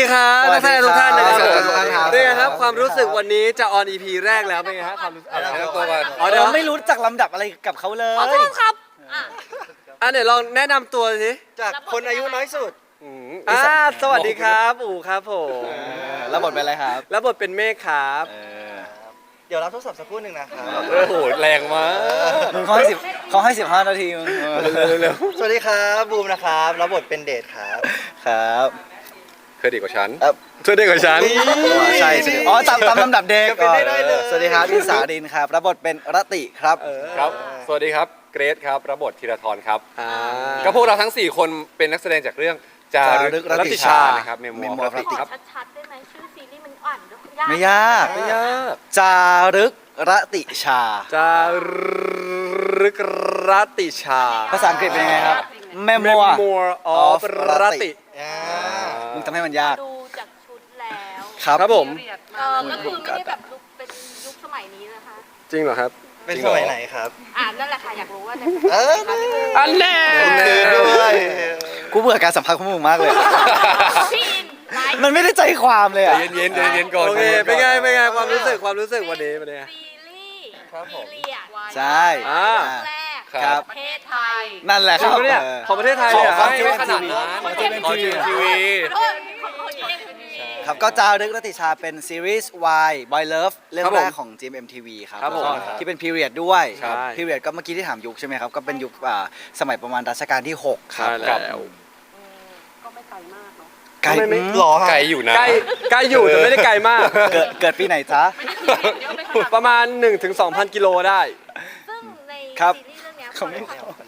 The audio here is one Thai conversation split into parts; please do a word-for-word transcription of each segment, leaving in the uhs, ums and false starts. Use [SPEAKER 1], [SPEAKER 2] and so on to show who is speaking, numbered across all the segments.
[SPEAKER 1] ครับนักแสดงทุกท่านนะครับผม
[SPEAKER 2] สวัสดีครับ
[SPEAKER 1] เป็นไงครับความรู้สึกวันนี้จะออน อี พี แรกแล้วเป็นไงครับความรู้สึกอะไรนะตัวก่อน
[SPEAKER 2] อ๋อเดี๋ยวไม่รู้จักลำดับอะไรกับเขาเลย
[SPEAKER 3] ขอโทษครับอ่ะ
[SPEAKER 1] อ่ะเดี๋ยวลองแนะนำตัวสิ
[SPEAKER 4] จากคนอายุน้อยสุด
[SPEAKER 1] อ่าสวัสดีครับอู๋ครับผม
[SPEAKER 2] แล้วบทเป็นอะไรครับ
[SPEAKER 1] แล้วบทเป็นเมฆครับ
[SPEAKER 2] เออ
[SPEAKER 4] เดี๋ยวรับโทรศัพท์สักครู่หนึ่งนะครับ
[SPEAKER 1] โอ้โหแรงมาก
[SPEAKER 2] มึงเขาให้สิบเขาให้สิบห้านาทีมึง
[SPEAKER 1] เร็ว
[SPEAKER 4] สวัสดีครับบูมนะครับรับบทเป็นเดทครับ
[SPEAKER 2] ครับ
[SPEAKER 1] ๆเธอดีกว่าฉัน
[SPEAKER 2] เอ่อ
[SPEAKER 1] เธอดีกว่าฉัน
[SPEAKER 2] อ๋อใช่ใช่อ๋อตามตามลำดับเด็ก
[SPEAKER 4] ก็เป็นได้ได้เลย
[SPEAKER 2] สวัสดีครับอินสาดินครับรับบทเป็นรติครับ
[SPEAKER 5] ครับ สวัสดีครับ เกรซครับ รับบทธีรทรครับ
[SPEAKER 1] อ่า
[SPEAKER 5] ก็พวกเราทั้ง สี่ คนเป็นนักแสดงจากเรื่องจารึก
[SPEAKER 2] จารึก
[SPEAKER 5] รัตติชา
[SPEAKER 2] รัตติชา
[SPEAKER 5] นะครับ เมม
[SPEAKER 2] เมม
[SPEAKER 5] โม
[SPEAKER 2] โม
[SPEAKER 5] รัตติ
[SPEAKER 3] ขอ
[SPEAKER 5] ครับ
[SPEAKER 3] ชัดๆได้ไหมชื่อซีรีส์มันอ่านยาก
[SPEAKER 2] ไม่ยาก
[SPEAKER 5] ไม่ยาก
[SPEAKER 2] จารึกรติชา
[SPEAKER 1] จารึกรัตติชา
[SPEAKER 2] ภาษาอังกฤษเป็นยังไงครับ Memoir
[SPEAKER 1] Memoir of รัตติ
[SPEAKER 4] อ่า
[SPEAKER 2] มึงทำให้มันยาก
[SPEAKER 3] ดูจากชุดแล้ว
[SPEAKER 2] ครับ
[SPEAKER 1] ครับผม
[SPEAKER 3] เออก็คือไม่ได้แบบลุกเป็นยุคสมัยนี้นะคะ
[SPEAKER 1] จริงเหรอครับ
[SPEAKER 4] เป็นสมัยไหนครับ
[SPEAKER 3] อ่านนั่นแหละค่ะอยากรู้ว่าใน
[SPEAKER 4] เออ
[SPEAKER 1] อันแน่
[SPEAKER 4] คืนด้วย
[SPEAKER 2] กูเบื่อการสัมภาษณ์ของมึงมากเลย
[SPEAKER 3] พี่อินไลฟ์
[SPEAKER 2] มันไม่ได้ใจความเลย
[SPEAKER 5] ใจ
[SPEAKER 2] อ่ะ
[SPEAKER 5] เย็นๆใจเย็นๆก่อน
[SPEAKER 1] โอเค
[SPEAKER 5] ใจย็
[SPEAKER 1] เป็นไง
[SPEAKER 5] ก่อ
[SPEAKER 1] เป็นไงความรู้สึกความรู้สึกวันนี้เป็นไง
[SPEAKER 3] ซีรีส์
[SPEAKER 4] ครับผม
[SPEAKER 3] พีเรียด
[SPEAKER 2] ใช่
[SPEAKER 1] อ่า
[SPEAKER 3] แรก
[SPEAKER 2] ครับ
[SPEAKER 3] ประเทศไทย
[SPEAKER 2] นั่นแหละ
[SPEAKER 1] จ
[SPEAKER 2] ค
[SPEAKER 1] ริง
[SPEAKER 2] รับ
[SPEAKER 1] ปะเนี่ย
[SPEAKER 2] เออ
[SPEAKER 1] ของประเทศไทย
[SPEAKER 5] ข
[SPEAKER 1] เล
[SPEAKER 5] อย
[SPEAKER 1] เหรอ
[SPEAKER 5] ฟัง
[SPEAKER 1] ให้
[SPEAKER 5] ไม่ขนาดนั้น
[SPEAKER 3] ของ
[SPEAKER 5] ขอเจมทีวี
[SPEAKER 3] เออของของเอ็มทีวี
[SPEAKER 2] ครับก็จารึกรติชาเป็นซีรีส์ Y Boy Love เรื่อง
[SPEAKER 1] ครับผม
[SPEAKER 2] แรกของ จี เอ็ม เอ็ม ที วี ครับ
[SPEAKER 1] ครับผม
[SPEAKER 2] แล้วก็ที่เป็น period ด้วย
[SPEAKER 1] ใช่
[SPEAKER 2] period ก็เมื่อกี้ที่ถามยุคใช่ไหมครับ ก็เป็นยุคอ่าสมัยประมาณรัชกาลที่ หก ครับ
[SPEAKER 1] ใช่แล้ว
[SPEAKER 3] ก็ไม่ไกลมากเนาะ
[SPEAKER 2] ไกล
[SPEAKER 1] ไม่ไม่
[SPEAKER 2] อืม
[SPEAKER 4] หล่อฮะ
[SPEAKER 5] ไกลอยู่นะ
[SPEAKER 1] ใกล้ใกล้อยู่แต่ไม่ได้ไกลมาก
[SPEAKER 2] เกิดเกิดปีไหนจ๊ะ
[SPEAKER 1] ประมาณ หนึ่งถึงสองพัน กิโลได้
[SPEAKER 3] ซึ่งใน
[SPEAKER 2] ครับ
[SPEAKER 3] ซีรีส์เรื่องเนี้ย
[SPEAKER 2] เขาไม่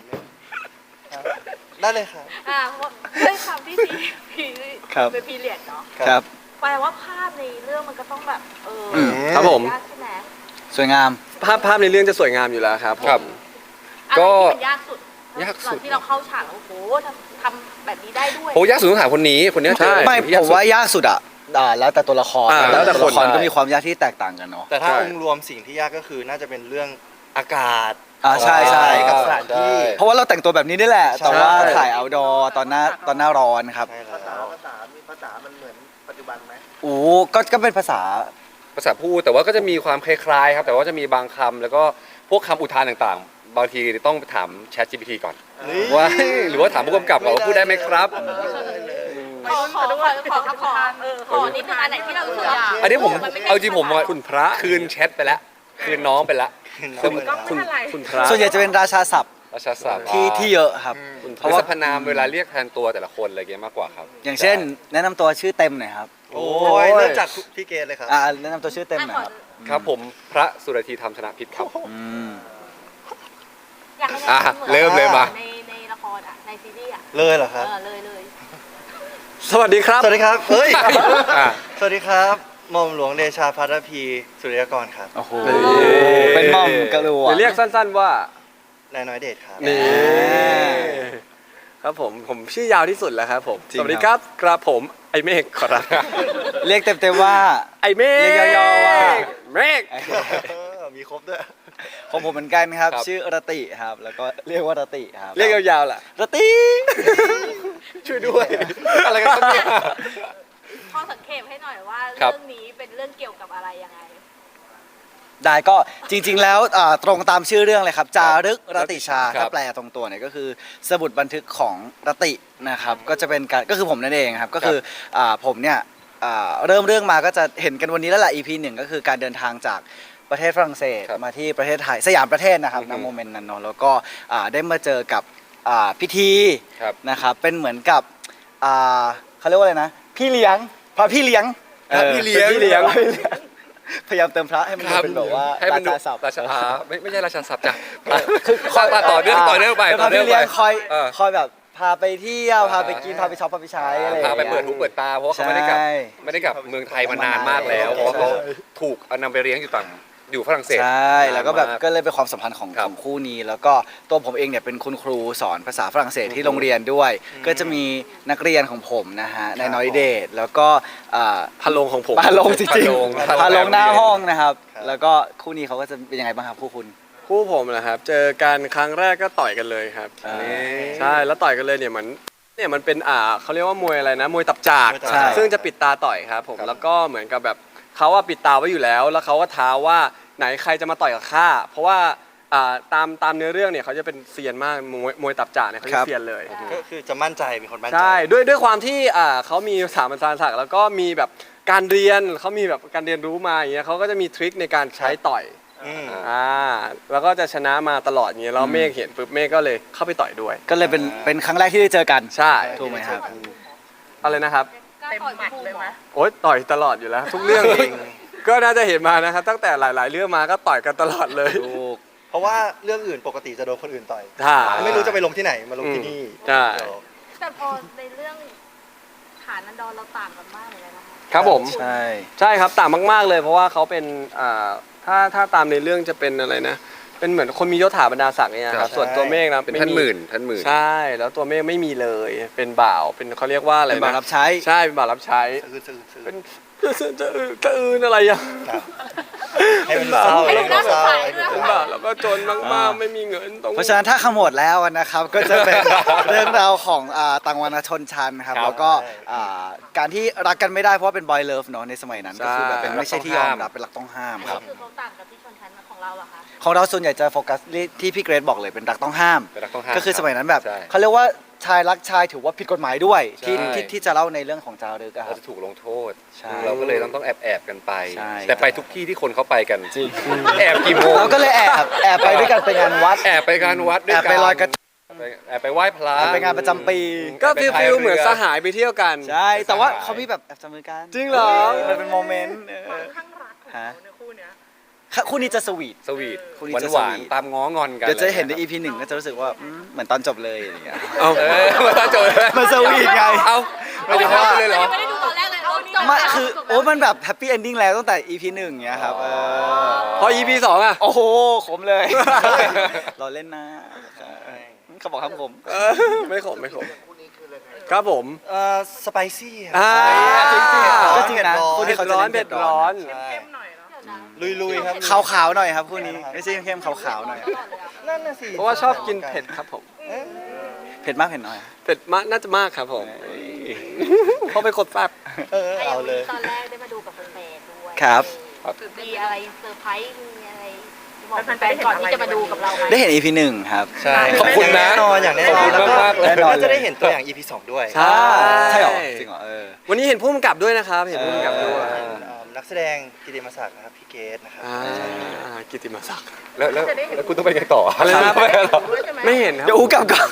[SPEAKER 4] ได้เลยครับ
[SPEAKER 3] อ่าเพราะด้วยความที่ซีรีส์
[SPEAKER 2] ครับ
[SPEAKER 3] เป็นพีเรียดเนาะ
[SPEAKER 2] ครับ
[SPEAKER 3] แปลว่าภาพในเรื่องมันก็ต้องแบบเออ
[SPEAKER 2] อืม
[SPEAKER 1] ครับผม
[SPEAKER 3] ยากใช่ไหม
[SPEAKER 2] สวยงาม
[SPEAKER 1] ภาพภาพในเรื่องจะสวยงามอยู่แล้วครับผม
[SPEAKER 5] ครับ
[SPEAKER 3] อะไร
[SPEAKER 5] ก็
[SPEAKER 3] ที่มันยากสุด
[SPEAKER 5] ยากสุด
[SPEAKER 3] ตอนที่เราเข้าฉากแล้วโอ้โหทำทำแบบนี้ได้ด้วย
[SPEAKER 5] โหยากสุดต้องถามคนนี้ คนนี้
[SPEAKER 1] ใช่
[SPEAKER 5] เจอ
[SPEAKER 2] ไม่
[SPEAKER 5] สิ่งที่
[SPEAKER 2] ผมว่ายากสุดอ่ะอ่าแล้วแต่ตัวละคร
[SPEAKER 1] อ่าแล้วแต่
[SPEAKER 2] ตัวละคร
[SPEAKER 1] คน
[SPEAKER 2] ก็
[SPEAKER 1] ได้
[SPEAKER 2] มีความยากที่แตกต่างกันเนาะ
[SPEAKER 4] แต่ถ้า
[SPEAKER 1] ใช่
[SPEAKER 4] องค์รวมสิ่งที่ยากก็คือน่าจะเป็นเรื่องอากาศ
[SPEAKER 2] อ่าใช่ใช่
[SPEAKER 4] กับสถานที่
[SPEAKER 2] เพราะว่าเราแต่งตัวแบบนี้นี่แหละ
[SPEAKER 4] ใช่
[SPEAKER 2] แต่ว่าถ่าย outdoor ตอนหน้าตอนหน้าร้อนครับ
[SPEAKER 4] ใช่แล้ว
[SPEAKER 6] ภาษา มีภาษา มันเหมือนปัจจุบันไหม
[SPEAKER 2] โอ้ก็ก็เป็นภาษา
[SPEAKER 5] ภาษาพูดแต่ว่าก็จะมีความคล้ายๆครับ แต่ว่าจะมีบางคำแล้วก็พวกคำอุทานต่างๆ บางทีต้องถาม Chat จี พี ที ก่อน
[SPEAKER 4] นี่
[SPEAKER 5] ว่าหรือว่าถามผู้กำกับก่อนว่าพูดได้ไหมครับ
[SPEAKER 3] ขอขอขอขอขอเออขอนิดนึงอันไหนที่เรารู้สึกว่า
[SPEAKER 5] อันนี้ผม
[SPEAKER 3] นไได้
[SPEAKER 5] เอาจริงผมว่า
[SPEAKER 1] คุณพระ
[SPEAKER 5] คืนแชทไปแล้ว คืนน้องไปแล้ว
[SPEAKER 4] คุณ
[SPEAKER 1] คุณคุณพระ
[SPEAKER 2] ส่วนใหญ่จะเป็นราชาศัพท์
[SPEAKER 5] ราชาศัพท์
[SPEAKER 2] ที่ที่เยอะครับ
[SPEAKER 1] คุณพ
[SPEAKER 5] เพ
[SPEAKER 1] ระ
[SPEAKER 5] ราะว่าสรรพนามเวลาเรียกแทนตัวแต่ละคนอะไรเงี้ยมากกว่าครับ
[SPEAKER 2] อย่างเช่น แนะนำตัวชื่อเต็มหน่อยครับ
[SPEAKER 4] โอ้ยเริ่มจากพี่เกดเลยครับ
[SPEAKER 2] อ่าแนะนำตัวชื่อเต็มหน่อยครับ
[SPEAKER 5] ครับผมพระสุรธีธรรมชนะพิษครับ
[SPEAKER 2] อืม
[SPEAKER 3] อยากให้
[SPEAKER 5] อ่ะ
[SPEAKER 3] ได้
[SPEAKER 5] เริ่มเลยมา
[SPEAKER 3] ในในละครอ่ะในซีรีส์อ่ะ
[SPEAKER 4] เลยเหรอค
[SPEAKER 3] เอ
[SPEAKER 4] รับ
[SPEAKER 3] อเลยเลย
[SPEAKER 1] สวัสดีครับ
[SPEAKER 4] สวัสดีครับเฮ้ย
[SPEAKER 5] อ่ะ
[SPEAKER 4] สวัสดีครับหม่อมหลวงเดชาพัทรพีสุริยกรครับ
[SPEAKER 2] โอ้โห
[SPEAKER 1] นี่
[SPEAKER 2] เป็นหม่อมกระดู
[SPEAKER 1] หรือเรียกสั้นๆว่า
[SPEAKER 4] นายน้อยเดชครับ
[SPEAKER 1] นี่
[SPEAKER 2] อ่า
[SPEAKER 1] ครับผมผมชื่อยาวที่สุดแล้วครับผม
[SPEAKER 2] จริง
[SPEAKER 1] สวัสดีครับกระผมไอเมฆขอรับ
[SPEAKER 2] เรียกเต็มๆว่า
[SPEAKER 1] ไอเมฆ
[SPEAKER 2] เรียกย่อๆว่า
[SPEAKER 1] เมฆ
[SPEAKER 4] เออมีครบด้วย
[SPEAKER 2] ของผมเหมือนกันครับ
[SPEAKER 5] ครับ
[SPEAKER 2] ชื่อรติครับ แล้วก็เรียกว่ารติครับ
[SPEAKER 1] เรียกยาวๆล่ะ
[SPEAKER 2] รติ
[SPEAKER 1] ช่วยด้วย
[SPEAKER 5] อะไรกันครับเนี่ย
[SPEAKER 3] ข้อสังเกตให้หน่อยว่า
[SPEAKER 5] ครับ
[SPEAKER 3] เรื่องนี้เป็นเรื่องเกี่ยวกับอะไรยังไง
[SPEAKER 2] ได้ก็จริง ๆ แล้วอ่าตรงตามชื่อเรื่องเลยครับ จารึกรติชา
[SPEAKER 5] ครับ
[SPEAKER 2] ถ้าแปลตรงตัวเนี่ยก็คือสมุดบันทึกของรตินะครับ ก็จะเป็นการก็คือผมนั่นเองครับ ก็คืออ่าผมเนี่ยอ่าเริ่มเรื่องมาก็จะเห็นกันวันนี้แล้วแหละ อี พี หนึ่งก็คือการเดินทางจากประเทศฝรั่งเศส
[SPEAKER 5] ครับ
[SPEAKER 2] มาที่ประเทศไทยสยามประเทศนะครับ
[SPEAKER 5] อือฮึ
[SPEAKER 2] ณโมเมนต์นั้นเนาะแล้วก็อ่าได้มาเจอกับอ่าพิธี
[SPEAKER 5] ครับ
[SPEAKER 2] นะครับเป็นเหมือนกับอ่าเขาเรียกว่าอะไรนะ พี่เลี้ยงพระพี่เลี้ยง
[SPEAKER 1] เออ
[SPEAKER 2] พี่เลี้ยง
[SPEAKER 1] เป็นพี่เลี้ยง
[SPEAKER 2] พยายามเติมพระให้มันดูเป็นแบบว่า
[SPEAKER 5] ให้มันดู
[SPEAKER 2] ราชาศัพท์
[SPEAKER 5] ราชาไม่ไม่ใช่ราชาศัพท์จ้ะคือคอยต่อเนื่องต่อเนื่องไป
[SPEAKER 2] เป็น
[SPEAKER 5] ต่อ
[SPEAKER 2] พา
[SPEAKER 5] เนื่อง
[SPEAKER 2] พี่
[SPEAKER 5] ไป
[SPEAKER 2] เลี้ยงคอย
[SPEAKER 5] เออ
[SPEAKER 2] คอยแบบพาไปเที่ยว
[SPEAKER 5] อ่า
[SPEAKER 2] พาไปกินพาไปช็อปพาไปใช้อะไร
[SPEAKER 5] พาไป
[SPEAKER 2] อย่างงี้ย
[SPEAKER 5] เปิดหูเปิดตาเพราะว่าเขาไม่ได้กลับ
[SPEAKER 2] ใช่
[SPEAKER 5] ไม่ได้กลับเมืองไทยมานานมากแล้วเพราะว่าเขาถูกเอานำไปเลี้ยงอยู่ต่างอยู่ฝรั่งเศส
[SPEAKER 2] ใช่แล้วก็แบบ
[SPEAKER 5] นานมาก
[SPEAKER 2] ก็เลยเป็นความสัมพันธ์ของ
[SPEAKER 5] ครั
[SPEAKER 2] ข
[SPEAKER 5] บ
[SPEAKER 2] องคู่นี้ แล้วก็ตัวผมเองเนี่ยเป็นคุณครูสอนภาษาฝรั่งเศสที่โรงเรียนด้วย ก็จะมีนักเรียนของผมนะฮะนายน้อยเดชแล้วก็อ่า
[SPEAKER 1] พะโลงของผม
[SPEAKER 2] พาลงจริง
[SPEAKER 5] พาลง
[SPEAKER 2] ๆพาลงหน้าห้องนะครับ
[SPEAKER 4] ครับ
[SPEAKER 2] แล้วก็คู่นี้เขาก็จะเป็นยังไงบ้างครับคู่คุณ
[SPEAKER 1] คู่ผมนะครับ เจอกันครั้งแรกก็ต่อยกันเลยครับ
[SPEAKER 2] อ่า
[SPEAKER 1] ใช่แล้วต่อยกันเลยเนี่ยเหมือนเนี่ยมันเป็นอ่าเขาเรียกว่ามวยอะไรนะมวยตับจาก
[SPEAKER 4] มวยตับจาก
[SPEAKER 1] ซึ่งจะปิดตาต่อยครับผมแล้วก็เหมือนกับแบบเขาว่าปิดตาไว้อยู่แล้ว แล้วเขาก็ท้าว่าไหนใครจะมาต่อยกับข้าเพราะว่าอ่าตามตามเนื้อเรื่องเนี่ยเขาจะเป็นเซียนมากมวยมวยตับจากเนี่ยเขาจะเซียนเลย
[SPEAKER 4] ก็คือจะมั่นใจมีคนมั่นใจ
[SPEAKER 1] ใช่ด้วยด้วยความที่อ่าเขามีสถาบันการศึกษาแล้วก็มีแบบการเรียนเขามีแบบการเรียนรู้มาอย่างเงี้ยเขาก็จะมีทริคในการใช้ต่อย
[SPEAKER 4] อืม
[SPEAKER 1] อ่าแล้วก็จะชนะมาตลอดอย่างเงี้ยแล้วเมฆเห็นปุ๊บเมฆก็เลยเข้าไปต่อยด้วย
[SPEAKER 2] ก็เลยเป็นเป็นครั้งแรกที่ได้เจอกัน
[SPEAKER 1] ใช่
[SPEAKER 2] ถูกไหมครับ
[SPEAKER 1] อะไรนะครับ
[SPEAKER 3] เต็มหมัดเลยไหม
[SPEAKER 1] โอ๊ยต่อยตลอดอยู่แล้ว ทุกเรื่องเอง ก็น่าจะเห็นมานะครับตั้งแต่หลาย ๆ เรื่องมาก็ต่อยกันตลอดเลย
[SPEAKER 2] ถูก
[SPEAKER 4] เพราะว่าเรื่องอื่นปกติจะโดนคนอื่นต่อย
[SPEAKER 1] ใช่
[SPEAKER 4] ไม่รู้จะไปลงที่ไหนมาลงที่นี่
[SPEAKER 1] ใช่
[SPEAKER 3] แต่พอในเรื่องฐานันดรเราต่างกันมากเลยนะคะ
[SPEAKER 1] ครับผม
[SPEAKER 2] ใช่
[SPEAKER 1] ใช่ครับต่างมาก ๆ เลย เพราะว่าเขาเป็นอ่าถ้าถ้าตามในเรื่องจะเป็นอะไรนะ เป็นเหมือนคนมียศถาบรรดาศักดิ์เนี่ยครับส่วนตัวเมฆนะ
[SPEAKER 5] เป็น
[SPEAKER 1] ไ
[SPEAKER 5] ท่านหมื่นท่านหมื่น
[SPEAKER 1] ใช่แล้วตัวเมฆไม่มีเลย เป็นบ่าวเป็นเขาเรียกว่าอะไร
[SPEAKER 2] เป็น
[SPEAKER 1] นะ
[SPEAKER 2] บ่าวรับใช้
[SPEAKER 1] ใช่เป็นบ่าวรับใช้
[SPEAKER 4] ซื้อซื้อซื้อ
[SPEAKER 1] เป็นจะอื่นจะอื่นอะไรอย่าง
[SPEAKER 4] ครับให้มันเศร้า
[SPEAKER 3] ให้ดูน่าสงสารด้วย
[SPEAKER 1] เป็นบ่าวแล้วก็จนมากๆไม่มีเงินตรง
[SPEAKER 2] เพราะฉะนั้นถ้าขมวดแล้วนะครับ ก็จะเป็น เรื่องราวของอ่าต่างวรรณชนชั้นครับแล้วก็อ่าการที่รักกันไม่ได้เพราะว่าเป็นบอยเลิฟเนาะในสมัยนั้นก็คือแบบเป็นไม่ใช่ที่ยอมรับเป็นหลักต้องห้าม
[SPEAKER 3] อัน
[SPEAKER 2] ค
[SPEAKER 3] นี้
[SPEAKER 2] รับ
[SPEAKER 3] คือเขาต่างกับที่ชนชั้นของเราเหรอคะ
[SPEAKER 2] ของเราส่วนใหญ่จะโฟกัสที่พี่เกรซบอกเลยเป็นรักต้องห้าม
[SPEAKER 5] เป็นรักต้องห้าม
[SPEAKER 2] ก็คือสมัยนั้นแบบ
[SPEAKER 5] ใช่
[SPEAKER 2] เขาเรียกว่าชายรักชายถือว่าผิดกฎหมายด้วยที่
[SPEAKER 5] ใช่
[SPEAKER 2] ที่ที่จะเล่าในเรื่องของจารึกอะค
[SPEAKER 5] เรา
[SPEAKER 2] รับ
[SPEAKER 5] จะถูกลงโทษ
[SPEAKER 2] ใช่
[SPEAKER 5] เราก็เลยต้องต้องแอบแอบๆกันไป
[SPEAKER 2] ใช่
[SPEAKER 5] แต่ไปทุกที่ที่คนเขาไปกันแอบกี่โมง
[SPEAKER 2] เราก็เลยแอบแอบไปด้วยกันไปงานวัด
[SPEAKER 5] แอบไปงานวัดด้ว
[SPEAKER 2] แอย บ
[SPEAKER 5] กัน
[SPEAKER 2] ไปลอยกระทง
[SPEAKER 5] ไปแอบไปไหว้พระ
[SPEAKER 2] แอบไปงานประจำปี
[SPEAKER 1] ก็ฟิลฟิลเหมือนสหายไปเที่ยวกัน
[SPEAKER 2] ใช่แต่ว่าเขามีแบบแอบจับมือกัน
[SPEAKER 1] จริงเหรอ
[SPEAKER 2] มันเป็นโมเมนต์เออ
[SPEAKER 3] ข้างรักของ
[SPEAKER 2] ฮะ
[SPEAKER 3] เขาในคู่เนี้ย
[SPEAKER 2] ค่ะคู่นี้จะสวีท
[SPEAKER 5] สวีท
[SPEAKER 2] คู่นี้
[SPEAKER 5] หวาน
[SPEAKER 2] จะ
[SPEAKER 5] หวาน
[SPEAKER 2] สวีท
[SPEAKER 5] ตามง้องอนกัน
[SPEAKER 2] เดี๋ยวจะเห็นใน อี พี หนึ่งก็จะรู้สึกว่าอืมเหมือนตอนจบเลยอย่างเงี้ย
[SPEAKER 1] เอา
[SPEAKER 5] เออมาตาโจย
[SPEAKER 2] มันสวีทไง
[SPEAKER 5] เอาไม่ได้เข้าไปเลยเหรอ
[SPEAKER 3] ไม่ได้ดูตอนแรกเลยเอาจบ
[SPEAKER 2] ไมา
[SPEAKER 3] แล้ว
[SPEAKER 2] คือ
[SPEAKER 3] จบแล้ว
[SPEAKER 2] โอ้มันแบบแฮปปี้เอนดิ้งแล้วตั้งแต่ อี พี หนึ่งเงี้ยครับเออ
[SPEAKER 1] พอ อี พี สองอ่ะ
[SPEAKER 2] โอ้โหขมเลย เราเล่นนะเขาบอกครับผม
[SPEAKER 1] เออไม่ขมไม่ขมครับผม
[SPEAKER 4] เอ่อสไปซี่
[SPEAKER 1] อ่า
[SPEAKER 2] จริงๆก็จริงนะ
[SPEAKER 4] เผ็ดร้อน
[SPEAKER 2] คู่นี้
[SPEAKER 1] เผ็ด
[SPEAKER 2] เขาจะ
[SPEAKER 1] ร้อน
[SPEAKER 2] เล่น
[SPEAKER 1] เผ็ดร้อน
[SPEAKER 4] ใช่
[SPEAKER 3] เข้มหน่อยเนาะ
[SPEAKER 4] ลุยๆครับ
[SPEAKER 2] ขาวๆหน่อยครับคู่นี้ไม่ใช่เข้มๆขาวๆหน่อย
[SPEAKER 4] นั่นน่ะสิ
[SPEAKER 1] เพราะว่าชอบกินเผ็ดครับผม
[SPEAKER 2] เผ็ดมากเผ็ดน้อย
[SPEAKER 1] เผ็ดมากน่าจะมากครับผมเพราะเป็นคนแซ่บ
[SPEAKER 4] เออเอาเลย
[SPEAKER 3] ตอนแรกได้มาดูกับแฟนๆด้วย
[SPEAKER 2] ครับ
[SPEAKER 3] เออมีอะไรเซอร์ไพรส์มีอะไรบอกแฟนๆก่อนที่จะมาดูกับเราไหม
[SPEAKER 2] ได้เห็น อี พี หนึ่งครับ
[SPEAKER 4] ใช่
[SPEAKER 5] ขอบคุณนะ
[SPEAKER 4] อย่างแน่นอนอย่างแน่นอน
[SPEAKER 5] ขอบคุณ
[SPEAKER 4] แล้วก็
[SPEAKER 5] มากๆเลย
[SPEAKER 2] แน่นอน
[SPEAKER 4] ก็จะได้เห็นตัวอย่าง อี พี สองด้วย
[SPEAKER 1] ใช่
[SPEAKER 2] ใช่เหรอจริงเหรอเออ
[SPEAKER 1] วันนี้เห็นผู้กำกับด้วยนะครับ เห็นผู้กำกับด้วย
[SPEAKER 4] เอ่อนักแสดงกิติมศักดิ์นะครับพี่เกตนะครับ
[SPEAKER 1] อ่ากิตติมศักดิ์
[SPEAKER 5] แล้วแล้วแล้วคุณต้องไปไงต่อ
[SPEAKER 1] อะไรนะ
[SPEAKER 5] ไม่หรอ
[SPEAKER 3] ด้วยใช่ไหม
[SPEAKER 1] ไม่เห็นครับ
[SPEAKER 2] เดี๋ยวอูกลับก่อน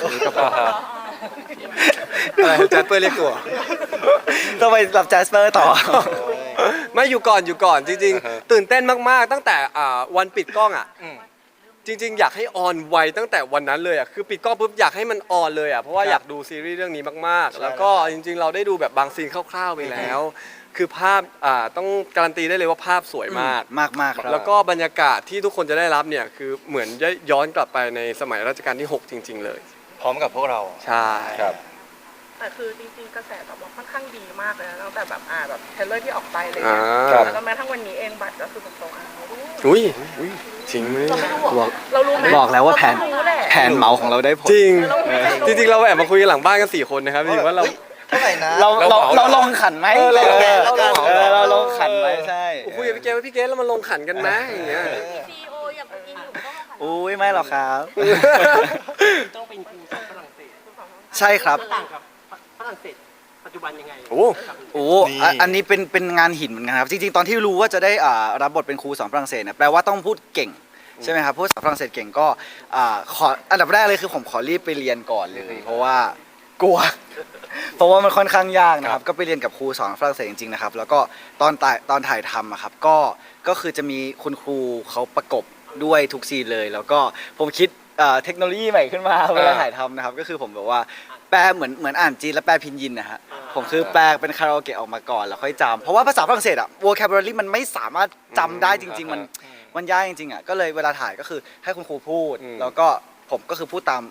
[SPEAKER 1] อะไรแจ็คเปอร์เรียกตัว
[SPEAKER 2] ต้องไปรับแจสเปอร์ต่อ
[SPEAKER 1] ไม่อยู่ก่อนอยู่ก่อนจริง
[SPEAKER 5] อ่าฮะ
[SPEAKER 1] ๆ ตื่นเต้นมากๆ ตั้งแต่อ่าวันปิดกล้องอ่ะ
[SPEAKER 4] อืม
[SPEAKER 1] จริง ๆ อยากให้ออนไวตั้งแต่วันนั้นเลยอ่ะคือปิดกล้องปุ๊บอยากให้มันออนเลยอ่ะเพราะว่า
[SPEAKER 4] ครับ
[SPEAKER 1] อยากดูซีรีส์เรื่องนี้มาก
[SPEAKER 4] ใช่
[SPEAKER 1] ๆ แล้วก็
[SPEAKER 4] แล้วครับ
[SPEAKER 1] จริง ๆ เราได้ดูแบบบางซีนคร่าวๆไปแล้ว คือภาพอ่าต้องการันตีได้เลยว่าภาพสวยมาก
[SPEAKER 2] มากมากๆครับ
[SPEAKER 1] แล้วก็บรรยากาศที่ทุกคนจะได้รับเนี่ยคือเหมือนย้อนกลับไปในสมัยรัชกาลที่หกจริง ๆ เลย
[SPEAKER 4] พร้อมกับพวกเรา
[SPEAKER 1] ใช่
[SPEAKER 5] ครับ
[SPEAKER 7] แต่คือจริงๆกระแสตอบรับค่อนข้างดีมากเลยนะตั้งแต่แบบอ่าแบบเทรลเลอร์ที่ออกไปเลย
[SPEAKER 1] อ่า
[SPEAKER 7] เนี่ยแล้วก็แม้ทั้งวันนี้เองบัตรก็คือแบบโซเอา
[SPEAKER 1] อุ้ยจริงไหม
[SPEAKER 3] เราไม่รู้เหรอ
[SPEAKER 7] เรารู้ไหม
[SPEAKER 2] บอกแล้วว่าแผน
[SPEAKER 7] เรรู้แหละ
[SPEAKER 2] แผนเหมาของเราได้ผล
[SPEAKER 1] จริง จริง ๆ เราแอบมาคุยกันหลังบ้านกันสี่คนนะครับจริงๆว่าเรา
[SPEAKER 4] ฮ้ยเท่าไหร่นะ
[SPEAKER 2] เราเรา
[SPEAKER 5] เราเหมา
[SPEAKER 2] เราลงขันไหม
[SPEAKER 1] เออเรา
[SPEAKER 2] เออ
[SPEAKER 1] เราเหมา
[SPEAKER 2] เออเราลงขันไหมใช่
[SPEAKER 1] คุยกับพี่เกศว่าพี่เกศแล้วมันลงขันกันไหมอย่างเงี้ย
[SPEAKER 3] ซีโออย่างอินอยู่ต้องมาขัน
[SPEAKER 2] อุ้ยไม่หรอกครับ
[SPEAKER 8] ต้องเป็นครูสอนฝรั่งเศส
[SPEAKER 2] ใช่ครับ
[SPEAKER 8] ต่างกับฝรั่งเศสปัจจุบันยังไง
[SPEAKER 1] โอ้
[SPEAKER 2] โอ้อ่ะอันนี้เป็นเป็นงานหินเหมือนกันครับ จริงๆ ตอนที่รู้ว่าจะได้อ่ารับบทเป็นครูสอนฝรั่งเศสเนี่ยแปลว่าต้องพูดเก่งใช่ไหมครับพูดภาษาฝรั่งเศสเก่งก็อ่าขออันดับแรกเลยคือผมขอรีบไปเรียนก่อนเลย เพราะว่ากลัว เพราะว่ามันค่อนข้างยากนะครับ ก็ไปเรียนกับครูสอนฝรั่งเศสจริงๆนะครับ แล้วก็ตอนถ่ายตอนถ่ายทำอะครับก็ก็คือจะมีคุณครูเขาประกบด้วยทุกซีนเลย แล้วก็ผมคิดเอ่อเทคโนโลยีใหม่ขึ้นมาเวลาถ่ายทำนะครับ ก็คือผมแบบว่าแปลเหมือนเหมือนอ่านจีนแล้วแปลพินยินนะฮะผมคือแปลเป็นคาราโอเกะออกมาก่อนแล้วค่อยจำเพราะว่าภาษาฝรั่งเศสอะ vocabulary มันไม่สามารถจำได้จริง ๆ มันมันยากจริงๆอะก็เลยเวลาถ่ายก็คือให้คุณครูพูด แล้วก็ผมก็คือพูดตาม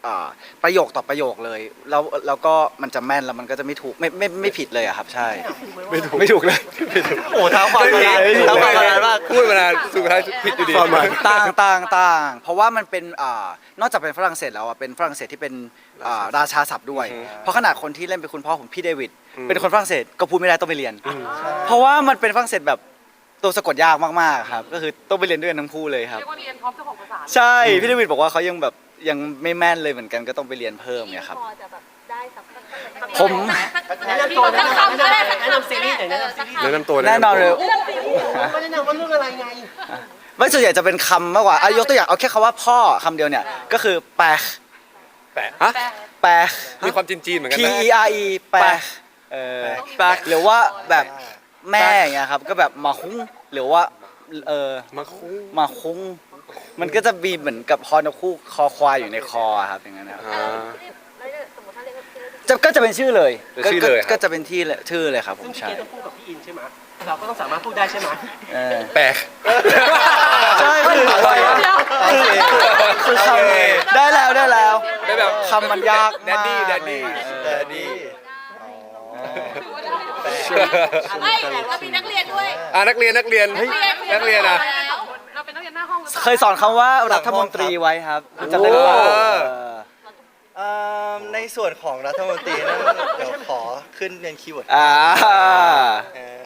[SPEAKER 2] อ่าประโยคต่อประโยคเลยแล้วแล้วก็มันจะแม่นแล้วมันก็จะไม่ถูกไม่ไม่ไม่ผิดเลยอะครับใช่ไม่ถูกไม่ถูกเลย
[SPEAKER 4] โอ้เท้าความมานานเท้าความมานานมาก
[SPEAKER 5] พูดมานานสุดท้ายผิดอยู่ดี
[SPEAKER 2] ต่างต่างต่างเพราะว่ามันเป็นอ่านอกจากเป็นฝรั่งเศสแล้วอ่ะเป็นฝรั่งเศสที่เป็นอ่าราชาศัพท์ด้วย เพราะขนาดคนที่เล่นเป็นคุณพ่อผมพี่เดวิดเป็นคนฝรั่งเศสก็พูดไม่ได้ต้องไปเรียน เพราะว่ามันเป็นฝรั่งเศสแบบตัวสะกดยากมากๆครับก็คือต้องไปเรียนด้วยกันทั้งคู่เลยครับ
[SPEAKER 7] เรียกว่าเรียนพร้อมเจ้าของภาษา
[SPEAKER 2] ใช่พี่เดวิดบอกว่าเขายังแบบยังไม่แม่นเลยเหมือนกันก็ต้องไปเรียนเพิ่มเนี่ยครับ
[SPEAKER 3] พอจะแบบได้สักสัก
[SPEAKER 2] ผม
[SPEAKER 8] แนะนำตัวแนะนำแนะนำแนะนำซีรีส์หน่อยแนะนำซีรีส์
[SPEAKER 1] แนะนำตัว
[SPEAKER 2] แน่นอนเลย
[SPEAKER 8] ก็แนะนำว่าเรื่องอะไรไง
[SPEAKER 2] ไม่ส่วนใหญ่จะเป็นคำมากกว่าอ่ะยกตัวอย่างเอาแค่คำว่าพ่อคำเดียวเนี่ยก็คือแปะ
[SPEAKER 5] แปะ
[SPEAKER 1] ฮะ
[SPEAKER 2] แปะ
[SPEAKER 5] มีความจีนๆเหมือนกัน
[SPEAKER 2] P
[SPEAKER 5] นะ
[SPEAKER 2] E R E แปะเออแปะหรือว่าแบบแม่อย่างเงี้ยครับก็แบบมาคุ้งหรือว่าเออ
[SPEAKER 1] มาคุ้ง
[SPEAKER 2] มาคุ้งมันก็จะมีเหมือนกับฮอนกคู่คอควายอยู่ในคอครับอย่างนั้นนะครับ
[SPEAKER 1] อ่า
[SPEAKER 3] แล้วสมมติถ้าเรียกว่าชื่อ
[SPEAKER 2] จะก็จะเป็นชื่อเลย
[SPEAKER 5] เป็นชื่อเลยครับ
[SPEAKER 2] ก็ก็จะเป็นที่เลยชื่อเลยครับผ
[SPEAKER 8] ซึ่ง
[SPEAKER 2] ม
[SPEAKER 8] พี่
[SPEAKER 2] ใช่
[SPEAKER 8] เกดต้องพูดกับพี่อินใช่ไหมเราก็ต้องสามารถพูดได้ใช่ไหม
[SPEAKER 2] เออ
[SPEAKER 5] แปะ
[SPEAKER 2] ใช่คือคือคำได้แล้วได้แล้ว
[SPEAKER 5] ได้แบบ
[SPEAKER 2] คำมันยาก
[SPEAKER 5] แดดดี้แดดดี้
[SPEAKER 4] แดดดี้
[SPEAKER 3] ไม่เรามีนักเรียนด้วย
[SPEAKER 5] อ่านักเรียนนักเรียนนักเรียนอ่ะ
[SPEAKER 7] เราเป็นนักเรียนหน้าห้องหรือเปล่า
[SPEAKER 2] เคยสอนคำว่ารัฐมนตรีไว้ครับจำได้หรือเปล่า
[SPEAKER 5] โอ้
[SPEAKER 2] เออ
[SPEAKER 4] เอิ่มในส่วนของรัฐมนตรีนั้นเดี๋ยวขอขึ้นเป็นคีย์เวิร์ด
[SPEAKER 2] อ่า
[SPEAKER 4] เออ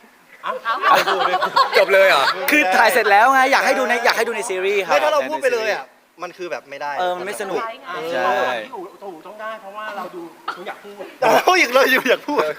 [SPEAKER 5] จบเลยเหรอ
[SPEAKER 2] คือถ่ายเสร็จแล้วไงอยากให้ดูในอยากให้ดูในซีรีส์ครับ
[SPEAKER 4] ไม่ถ้าเราพูดไปเลยอ่ะมันคือแบบไม่ได้
[SPEAKER 2] เออมันไม่สนุก
[SPEAKER 8] ใช่
[SPEAKER 2] ใช่
[SPEAKER 8] พี่อู๋ตรงหนูต้องได้เพราะว่าเราดูหนูอยากพูด
[SPEAKER 4] เอาอีกเลยอยู่อยากพูด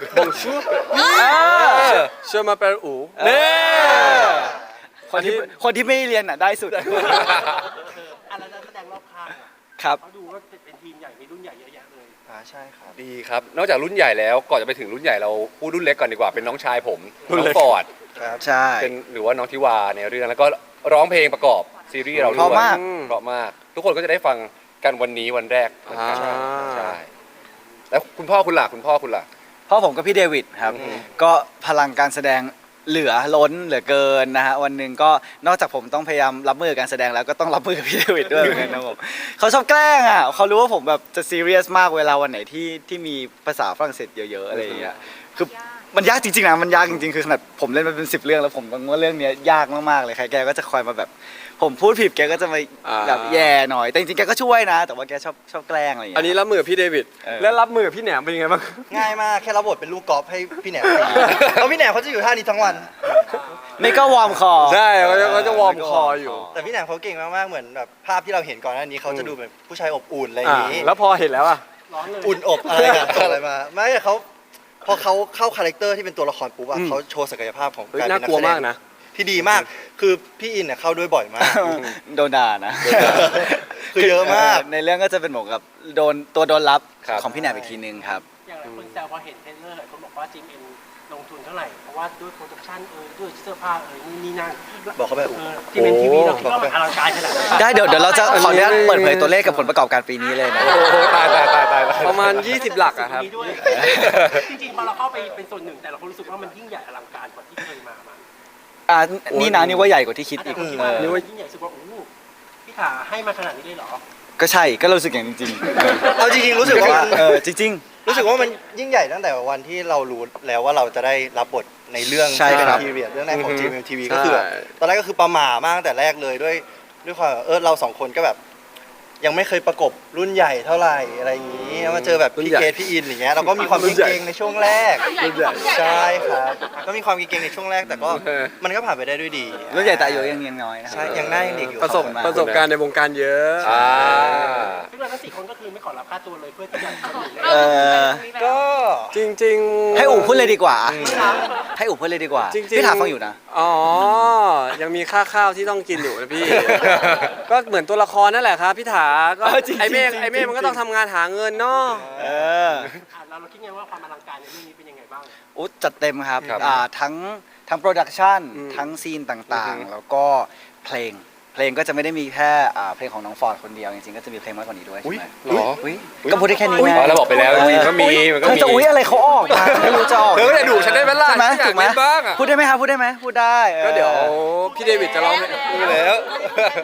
[SPEAKER 1] เชื่อมาเป็นอู
[SPEAKER 2] เน่คนที่คนที่ไม่เรียนอ่ะได้สุด
[SPEAKER 8] อะไรนักแสดงรอบข้างอะ
[SPEAKER 2] ครับ
[SPEAKER 8] เขาดูว่าเป็นทีมใหญ่มีรุ่นใหญ่เยอะแยะเลย
[SPEAKER 4] อ่าใช่ครับ
[SPEAKER 5] ดีครับ นอกจากรุ่นใหญ่แล้วก่อนจะไปถึงรุ่นใหญ่เราพูดรุ่นเล็กก่อนดีกว่าเป็นน้องชายผมน้องฟอร์ด
[SPEAKER 4] ครับ
[SPEAKER 2] ใช่
[SPEAKER 5] เป็นหรือว่าน้องทิวาในเรื่องแล้วก็ร้องเพลงประกอบซีรีส์เราด้วย
[SPEAKER 2] เพราะมาก
[SPEAKER 5] เพราะมาก ทุกคนก็จะได้ฟังกันวันนี้วันแรกเหมือนกัน
[SPEAKER 1] อ่า
[SPEAKER 5] ใช่แล้วคุณพ่อคุณล่ะคุณพ่อคุณล่ะ
[SPEAKER 2] พ่อผมกับพี่เดวิดครับ
[SPEAKER 5] อืม
[SPEAKER 2] ก็พลังการแสดงเหลือล้นเหลือเกินนะฮะวันหนึ่งก็นอกจากผมต้องพยายามรับมือกับการแสดงแล้วก็ต้องรับมือกับพี่เดวิดด้วยเหมือนกันนะผมเขาชอบแกล้งอ่ะเขารู้ว่าผมแบบจะซีเรียสมากเวลาวันไหนที่ที่มีภาษาฝรั่งเศสเยอะๆอะไรอย่างเงี้ยคือมันยากจริงๆนะมันยากจริงๆคือขนาดผมเล่นมาเป็นสิบเรื่องแล้วผมต้องว่าเรื่องเนี้ยยากมากๆเลยใครแกก็จะคอยมาแบบ ผมพูดผิดแกก็จะมา
[SPEAKER 1] อ่า
[SPEAKER 2] แบบแย่หน่อยแต่จริงๆแกก็ช่วยนะ แต่ว่าแกชอบชอบแกล้งอะไรอย่าง
[SPEAKER 1] อัน
[SPEAKER 2] เงี้ย
[SPEAKER 1] นี้รับมือกับพี่เดวิด
[SPEAKER 2] เออ
[SPEAKER 1] แล้วรับมือกับพี่แหนมเป็นยังไงบ้าง
[SPEAKER 4] ง่ายมากแค่รับบทเป็นลูกกอล์ฟให้พี่แหนมตีแล้วพี่แหนมเขาจะอยู่ท่านี้ทั้งวัน
[SPEAKER 2] ไม่ก็วอร์มคอ
[SPEAKER 1] ใช่เขาจะเขาจะวอร์มคออยู่
[SPEAKER 4] แต่พี่แหนมเขาเก่งมากๆเหมือนแบบภาพที่เราเห็นก่อนหน้านี้เขาจะดูเป็นผู้ชายอบอุ่นอะไรอย่างนี้
[SPEAKER 1] อ่าแล้วพอเห็นแล้วอ่ะ
[SPEAKER 8] ร้อนเลย
[SPEAKER 4] อุ่นอบอะไรกันส่งอะไรมาไม่แต่เขาพอเขาเข้าคาแรคเตอร์ที่เป็นตัวละครปุ๊บอะ
[SPEAKER 1] อืม
[SPEAKER 4] เขาโชว์ศักยภาพของ
[SPEAKER 1] เฮ้ย
[SPEAKER 4] การ
[SPEAKER 1] น่า
[SPEAKER 4] เป็นนั
[SPEAKER 1] กลัว
[SPEAKER 4] แสด
[SPEAKER 1] มาก
[SPEAKER 4] ง
[SPEAKER 1] นะ
[SPEAKER 4] ที่ดีมากคือพี่อินเนี่ยเข้าด้วยบ่อยมาก
[SPEAKER 2] โดนด่านะ
[SPEAKER 4] คือเยอะมาก
[SPEAKER 2] ในเรื่องก็จะเป็นเหมือนกับโดนตัวโดนรับ
[SPEAKER 5] ครับ
[SPEAKER 2] ของพี่แหนมอีกทีนึงครับ
[SPEAKER 8] อย่างหลายคนแซวพอเห็นเทรลเลอร์หลายคนบอกว่าจิมเอ็นลงทุนเท่าไหร่ เพราะว่าด้วยโปรดักชั่นเอ่ยด้วยเสื้อผ้าเอ่ยนี่นี่นั่น
[SPEAKER 4] บอกเขาไป
[SPEAKER 8] เออจิมเอ็นทีวีเราคิดว่ามันอลังการขนาดไหน
[SPEAKER 2] ได้เดี๋ยวเดี๋ยวเราจะ
[SPEAKER 1] อันนี้
[SPEAKER 2] ขออนุญาตเปิดเผยตัวเลขกับผลประกอบการปีนี้เลยนะ
[SPEAKER 5] โอ้โหตายตายตายตายตาย
[SPEAKER 1] ประมาณ ยี่สิบ หลักอะครับ
[SPEAKER 8] มีด้วยจริงๆพอเราเข้าไปเป็นส่วนหนึ่งแต่เราคนรู้สึกว่ามันยิ่งใหญ่อลังการกว่าที่เคยมามา
[SPEAKER 2] อ่านี่นะนี่ว่าใหญ่กว่าที่คิด
[SPEAKER 8] แต่
[SPEAKER 2] อีก
[SPEAKER 8] คนคิด
[SPEAKER 2] เอ
[SPEAKER 8] ว่า
[SPEAKER 2] อ
[SPEAKER 8] มันยิ่งใหญ่รู้สึกว่าโอ้โหพี่ขาให้มาขนาดนี้เลยเหรอ
[SPEAKER 2] ก็ใช่ก็รู้สึกอย่างจริงๆ
[SPEAKER 4] เอาจริงๆรู้สึกว่ามัน
[SPEAKER 2] เออจริง
[SPEAKER 4] รู้สึกว่ามันยิ่งใหญ่ตั้งแต่วันที่เรารู้แล้วว่าเราจะได้รับบทในเรื่อง
[SPEAKER 2] ใช่
[SPEAKER 4] ที่เป็น
[SPEAKER 2] ครับ
[SPEAKER 4] พีเรียดเรื่องแรกของ
[SPEAKER 1] อือฮึ
[SPEAKER 4] จี เอ็ม ที วี ก็คือแบบ
[SPEAKER 1] ใช่
[SPEAKER 4] ตอนแรกก็คือประหม่ามากตั้งแต่แรกเลยด้วยด้วยความเออเราสองคนก็แบบ ยังไม่เคยประกบรุ่นใหญ่เท่าไหร่อะไรอย่างนี้แล้วมาเจอแบบ
[SPEAKER 1] รุ่น
[SPEAKER 4] พี่
[SPEAKER 1] ใหญ่
[SPEAKER 4] เกดพี่อินอย่างเงี้ยเราก็มีความ
[SPEAKER 1] รุ่นใหญ่
[SPEAKER 4] เก่งๆในช่วงแรก
[SPEAKER 1] รุ่นใหญ่
[SPEAKER 4] ใช่ครับก็มีความเก่งๆในช่วงแรกแต่ก็
[SPEAKER 1] เออ
[SPEAKER 4] มันก็ผ่านไปได้ด้วยดี
[SPEAKER 2] ๆรุ่นใหญ่แต่อายุยังยังน้อยนะ
[SPEAKER 4] ใช่ยังหน้ายังเด็กอยู่
[SPEAKER 1] ประสบ
[SPEAKER 2] ขอบคุณมาก
[SPEAKER 1] ประสบการณ์ในวงการเยอะ
[SPEAKER 5] อ่า
[SPEAKER 8] ซึ่งเราทั้งสี่คนก็คือไม่ขอรับค่าตัวเลยเพื่อที่จะทำอยู่
[SPEAKER 2] เออ
[SPEAKER 4] ก็
[SPEAKER 1] จริงๆ
[SPEAKER 2] ให้อู๋พูดเลยดีกว่า ให้อู๋พูดเลยดีกว่า
[SPEAKER 1] จริงๆ
[SPEAKER 2] พี่ถามฟังอยู่นะ
[SPEAKER 1] อ๋อ ยังมีค่าข้าวที่ต้องกินอยู่นะพี่ ก็เหมือนตัวละครนั่นแหละครับพี่ถาก็
[SPEAKER 2] เออจริงๆ
[SPEAKER 1] ไอเมฆ
[SPEAKER 2] จริงๆ
[SPEAKER 1] ไอเมฆมันก็ต้องทำงานหาเงินเนาะ
[SPEAKER 2] เออ
[SPEAKER 8] อ่ะเราเราคิดไงว่าความอลังการในเรื่องนี้เป็นยังไงบ้าง
[SPEAKER 2] อุ๊ยจัดเต็มครับ
[SPEAKER 5] ครับ
[SPEAKER 2] อ่าทั้งทั้งโปรดักชัน
[SPEAKER 1] อืม
[SPEAKER 2] ทั้งซีนต่าง
[SPEAKER 1] อือฮึ
[SPEAKER 2] ๆ แล้วก็เพลง เพลงก็จะไม่ได้มีแค่อ่าเพลงของน้องฟอร์ดคนเดียว จริงๆ ก็จะมีเพลงมากกว่านี้ด้วยใช่ไหม
[SPEAKER 5] เหรอ
[SPEAKER 2] อุ๊ยก็พูดได้แค่นี้
[SPEAKER 5] อ๋
[SPEAKER 2] ไง
[SPEAKER 5] อเราบอกไปแล้วจริงๆก็มีมันก็
[SPEAKER 2] เธอ
[SPEAKER 5] มี
[SPEAKER 2] จะอุ๊ยอะไรเขาออกมาไม่รู้จะออก
[SPEAKER 5] เธอก็จะดุฉันได้ไหมล่ะ
[SPEAKER 2] ใช่ไหม
[SPEAKER 5] ฉันอยาก
[SPEAKER 2] ถูกไหม
[SPEAKER 5] เล่นบ้างอะ
[SPEAKER 2] พูดได้ไหมครับพูดได้ไหมพูดได้ออ
[SPEAKER 1] ก็เดี๋ยวพี่เดวิดจะร้องให้
[SPEAKER 5] ดูแล้ว
[SPEAKER 3] ไปแล้ว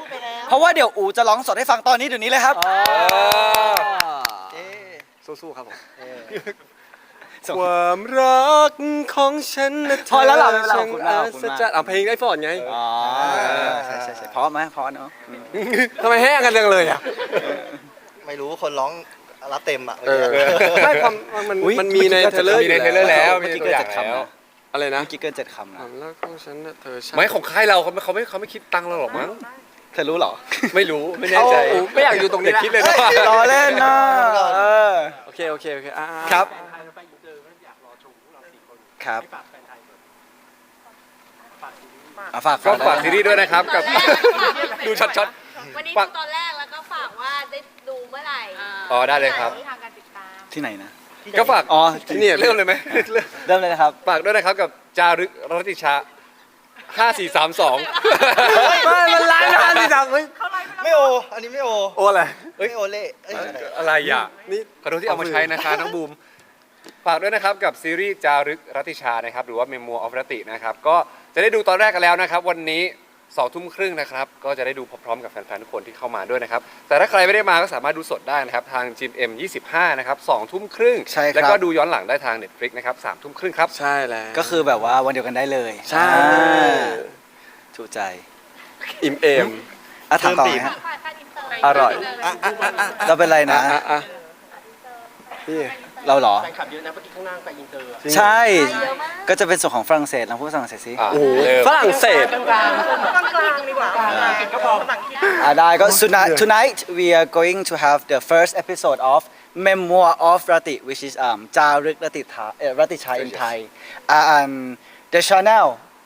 [SPEAKER 2] เพราะว่าเดี๋ยวอูจะร้องสดให้ฟังตอนนี้เดี๋ยวนี้เลยครับ
[SPEAKER 5] เออ
[SPEAKER 4] เอ๊ะ
[SPEAKER 1] สู้ๆครับผม
[SPEAKER 4] เออ
[SPEAKER 1] ความรักของฉันนะเธ
[SPEAKER 2] พอแล้วเหรอไม่เป็นไร
[SPEAKER 1] ช่าง
[SPEAKER 2] ขอบคุณมาก
[SPEAKER 1] อั
[SPEAKER 2] ขอบคุณ
[SPEAKER 1] ศ
[SPEAKER 2] มาก
[SPEAKER 1] จรรย์เอาเพลงได้ฟอร์ดไง
[SPEAKER 2] อ๋อใช่ใช่ใช่เพราะไหมเพราะเนาะ
[SPEAKER 1] ทำไมแห้งกันจังเลยอ่ะ
[SPEAKER 4] ไม่รู้คนร้องรับเต็มอ่ะ
[SPEAKER 1] เออ
[SPEAKER 4] เมื่อกี้
[SPEAKER 1] ไม่ความมัน
[SPEAKER 2] อุ๊ย
[SPEAKER 1] มันมีในเทรลเลอร์
[SPEAKER 5] มีในเทรลเลอร์แล้ว
[SPEAKER 2] เมื่
[SPEAKER 5] มี
[SPEAKER 2] อ
[SPEAKER 5] ใน
[SPEAKER 2] กี้
[SPEAKER 5] ตัว
[SPEAKER 2] เกิ
[SPEAKER 5] อน ย่าง
[SPEAKER 2] เจ็ดคำ
[SPEAKER 5] แล้ว
[SPEAKER 2] นะ
[SPEAKER 1] อะไรนะ
[SPEAKER 2] เมื่อกี้เกินเจ็ดคำ
[SPEAKER 1] ค
[SPEAKER 2] นะ
[SPEAKER 1] วามรักของฉันนะเธอช่าง
[SPEAKER 5] ไม่ของค่ายเราเขาไม่เขาไม่เขาไม่คิดตังค์เราหรอกมั้ง
[SPEAKER 2] เธอรู้เหรอ
[SPEAKER 5] ไม่รู้ไม่แน่ใจ
[SPEAKER 1] โอ้ไม่อยากอยู่ตรงนี้
[SPEAKER 5] อย่าคิดเลยนะ
[SPEAKER 2] รอเล่นนะเออ
[SPEAKER 1] โอเคโอเคโอเคอ่า
[SPEAKER 2] ครับ
[SPEAKER 8] แฟนไทยเราไปอินเตอร์ก็อยากรอชมพวกเราสี่คน
[SPEAKER 2] ครับ
[SPEAKER 8] ให้ฝากแฟนไทยก่อนฝากซีรีส์
[SPEAKER 2] อ่ะฝาก
[SPEAKER 5] ก็ฝากซีรีส์ด้วยนะครับกับ ดูช็อต
[SPEAKER 3] วันนี้
[SPEAKER 5] ฝาก
[SPEAKER 3] ดูตอนแรกแล้วก็ฝากว่าได้ดูเมื่อไหร่
[SPEAKER 5] อ๋อได้เลยครับ
[SPEAKER 3] ทางการติดตาม
[SPEAKER 2] ที่ไหนนะ
[SPEAKER 5] ก็ฝาก
[SPEAKER 2] อ๋อ
[SPEAKER 5] เนี่ยเริ่มเลยไหม
[SPEAKER 2] เริ่มเลยนะครับ
[SPEAKER 5] ฝากด้วยนะครับกับจารึกรัตติชาห้า สี่ สาม สอง
[SPEAKER 1] ไม่มันไลน์นะที่ดังเฮ้ย
[SPEAKER 4] ไม่โอ อันนี้ไม่โอ
[SPEAKER 1] โอ้อะไร
[SPEAKER 4] ไม่โอเล่เอ้ย
[SPEAKER 5] อะไรอ่ะ
[SPEAKER 1] นี่
[SPEAKER 5] ขอโทษที่เอามาใช้นะคะน้องบูม ฝากด้วยนะครับกับซีรีส์จารึกรัตติชานะครับหรือว่า Memoir of รตินะครับก็จะได้ดูตอนแรกกันแล้วนะครับ วันนี้สองทุ่มครึ่งนะครับก็จะได้ดูพร้อมๆกับแฟนๆทุกคนที่เข้ามาด้วยนะครับแต่ถ้าใครไม่ได้มาก็สามารถดูสดได้นะครับทาง จี เอ็ม ยี่สิบห้านะครับสองทุ่มครึ่ง
[SPEAKER 2] ใช่ครับ
[SPEAKER 5] แล้วก็ดูย้อนหลังได้ทาง Netflix นะครับสามทุ่มครึ่งครับ
[SPEAKER 1] ใช่แล้ว
[SPEAKER 2] ก็คือแบบว่าวันเดียวกันได้เลย
[SPEAKER 1] ใช่
[SPEAKER 2] อ่าถูกใจ
[SPEAKER 1] อิ่มเอม
[SPEAKER 2] อ่ะถามต่อไหมฮะ
[SPEAKER 3] ฝากการอินเตอร์
[SPEAKER 1] อร่อย
[SPEAKER 2] เราเป็นไรนะ
[SPEAKER 1] อ่ะอ่ะพี่
[SPEAKER 2] เราเหรอ
[SPEAKER 8] แฟนคลับเยอะนะเมื่อกี้ข้างล่างไปอินเตอร์อะ
[SPEAKER 2] ใช่
[SPEAKER 3] เยอะมาก
[SPEAKER 2] ก็จะเป็นส่วนของฝรั่งเศสลองพูดฝรั่งเศสสิ
[SPEAKER 5] อ่ะ
[SPEAKER 1] โอ้โห
[SPEAKER 5] เริ่ม
[SPEAKER 1] ฝรั่งเศส
[SPEAKER 7] กลางกลางๆดีกว่าก็พอหลังที่
[SPEAKER 2] อ่าได้ก็ tonight tonight we are going to have the first episode of Memoir of Rati which is um จารึกรติชาเอ่อรติชา in Thai uh, and the channel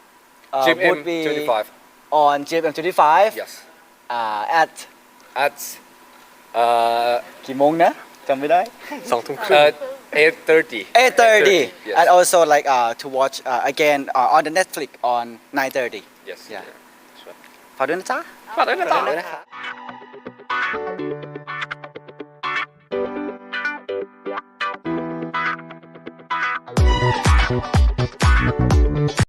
[SPEAKER 2] uh,
[SPEAKER 5] จี เอ็ม
[SPEAKER 2] would be
[SPEAKER 5] ยี่สิบห้า
[SPEAKER 2] on จี เอ็ม twenty-five
[SPEAKER 5] yes
[SPEAKER 2] uh, at
[SPEAKER 5] at เอ่อ
[SPEAKER 2] กี่โมงนะจำไม่ได้
[SPEAKER 1] สองทุ่มครึ่
[SPEAKER 5] เอ่
[SPEAKER 1] ง
[SPEAKER 5] อ eight thirty
[SPEAKER 2] eight thirty
[SPEAKER 5] yes
[SPEAKER 2] and also like uh, to watch uh, again uh, on the Netflix on nine thirty
[SPEAKER 5] yes
[SPEAKER 2] yeah ฝากด้วยนะจ๊ะ
[SPEAKER 5] ฝากด้วยนะครับ